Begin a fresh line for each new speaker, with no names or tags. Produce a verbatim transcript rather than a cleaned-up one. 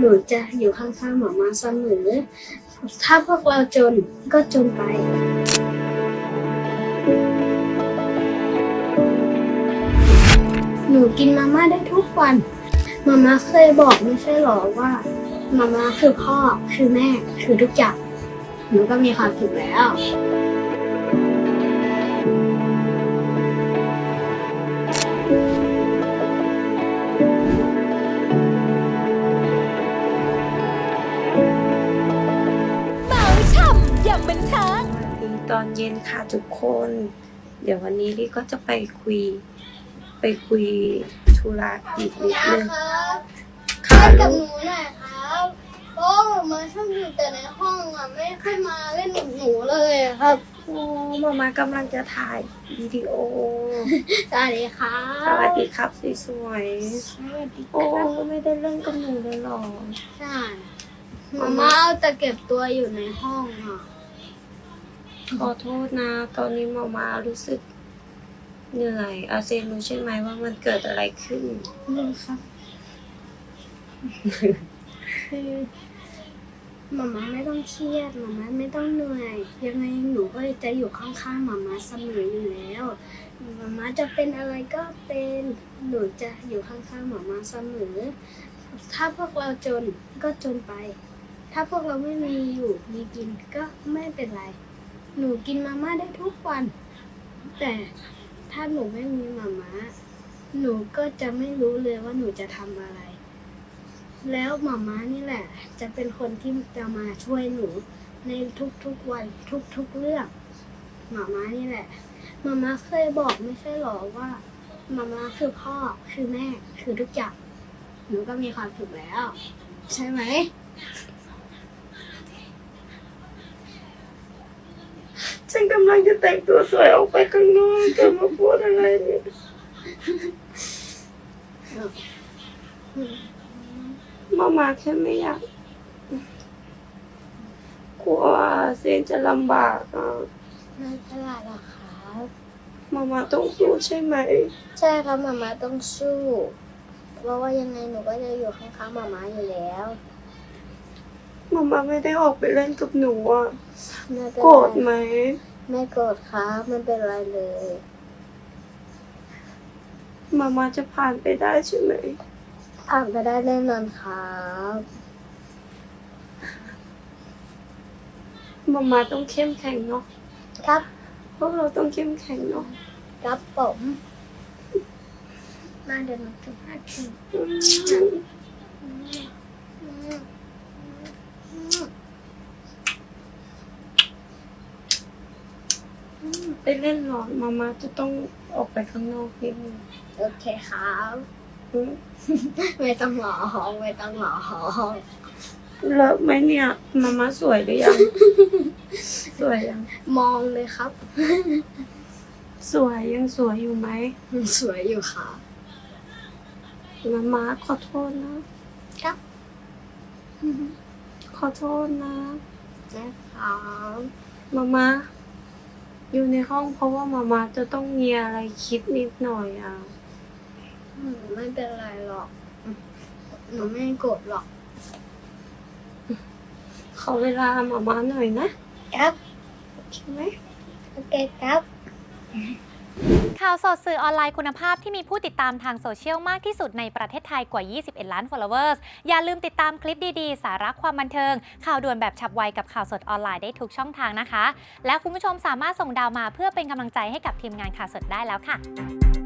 หนูจะอยู่ข้างๆหมามาเสมอถ้าพวกเราจนก็จนไปหนูกินมาม่าได้ทุกวันมาม่าเคยบอกไม่ใช่หรอว่ามาม่าคือพ่อคือแม่คือทุกอย่างหนูก็มีความสุขแล้ว
เมาช่ำอย่างบันเทิง
ตอนเย็นค่ะทุกคน เดี๋ยววันนี้ลี่ก็จะไปคุย ไปคุยธุระอีกนิดนึง
ครับ
ค่ะ
เล่นกับ
ลู
ห
ก
นูหน่อยครับเพราะว่ามาชอบอยู่แต่ในห้องอ่ะไม่ค่อยมาเล่นกับหนูเลยอะครับ
โอ้มามากำลังจะถ่ายวิดีโอ
สวัสดีครับ
สวัสดีครับสวย
สวัสดี
ๆ
ค
โอ้
รับ
ไม่ได้เล่นกับหนูเลยหรอ
ใช่มาม่าเอาแต่เก็บตัวอยู่ในห้องอ่ะ
ขอโทษนะ ตอนนี้มามารู้สึกเหนื่อยอาเซนรู้ใช่ไหมว่ามันเกิดอะไรขึ้น
นี่ครับคือมาม่าไม่ต้องเครียดมาม่าไม่ต้องเหนื่อยยังไงหนูก็จะอยู่ข้างๆมาม่าเสมออยู่แล้วมาม่าจะเป็นอะไรก็เป็นหนูจะอยู่ข้างๆมาม่าเสมอถ้าพวกเราจนก็จนไป ถ้าพวกเราไม่มีอยู่มีกินก็ไม่เป็นไรหนูกินมาม่าได้ทุกวัน แต่ถ้าหนูไม่มีมาม่าหนูก็จะไม่รู้เลยว่าหนูจะทำอะไร แล้วมาม่านี่แหละ จะเป็นคนที่จะมาช่วยหนูในทุกๆวันทุกๆเรื่องมาม่านี่แหละมาม่าเคยบอกไม่ใช่หรอว่ามาม่าคือพ่อคือแม่คือทุกอย่างหนูก็มีความสุขแล้ว ใช่ไหม
ฉันกำลังจะแต่งตัวสวยออกไปข้างนอกจะมาพูดอะไรเนี่ยมามาแค่ไม่อยากกลัวเซนจะลำบากอ่ะ
ไม่เป็นไรหรอกครับ
มามาต้องสู้ใช่ไหม
ใช่ครับมาม่าต้องสู้เพราะว่ายังไงหนูก็จะอยู่ข้างๆมาม่าอยู่แล้ว
มามาไม่ได้ออกไปเล่นกับหนูอ่ะ
ไม่เป็น
โกร
ไร
ธไหม
ไม่โกรธครับไม่เป็นไรเลย
มามาจะผ่านไปได้ใช่ไหม
ผ่านไปได้แน่นอนครับ
มามาต้องเข้มแข็งเนาะ
ครับ
พวกเราต้องเข้มแข็งเนาะ
ครับผมมาเดี๋ยวหนูจะพาถึง
อืมไปเล่นหรอมามาจะต้องออกไปข้างนอกนิดนึง
โอเคครับ
อืม
ไม่ต้องหลอไม่ต้องหลอ
เลิกไหมเนี่ยมามาสวยหรือยัง สวยยัง
มองเลยครับ
สวยยังสวยอยู่ไหม
สวยอยู่ค่ะ
มามาขอโทษนะครับ ขอโทษนะ
นะครับ
มามาอยู่ในห้องเพราะว่ามามาจะต้องมีอะไรคิดนิดหน่อยอ่ะ
อืมไม่เป็นไรหรอกหนูไม่โกรธหรอก
ขอเวลามามาหน่อยนะครับ โอเคไหม
โอเคครับ
ข่าวสดสื่อออนไลน์คุณภาพที่มีผู้ติดตามทางโซเชียลมากที่สุดในประเทศไทยกว่า ยี่สิบเอ็ด ล้าน followers อย่าลืมติดตามคลิปดีๆ สาระความบันเทิง ข่าวด่วนแบบฉับไวกับข่าวสดออนไลน์ได้ทุกช่องทางนะคะ และคุณผู้ชมสามารถส่งดาวมาเพื่อเป็นกำลังใจให้กับทีมงานข่าวสดได้แล้วค่ะ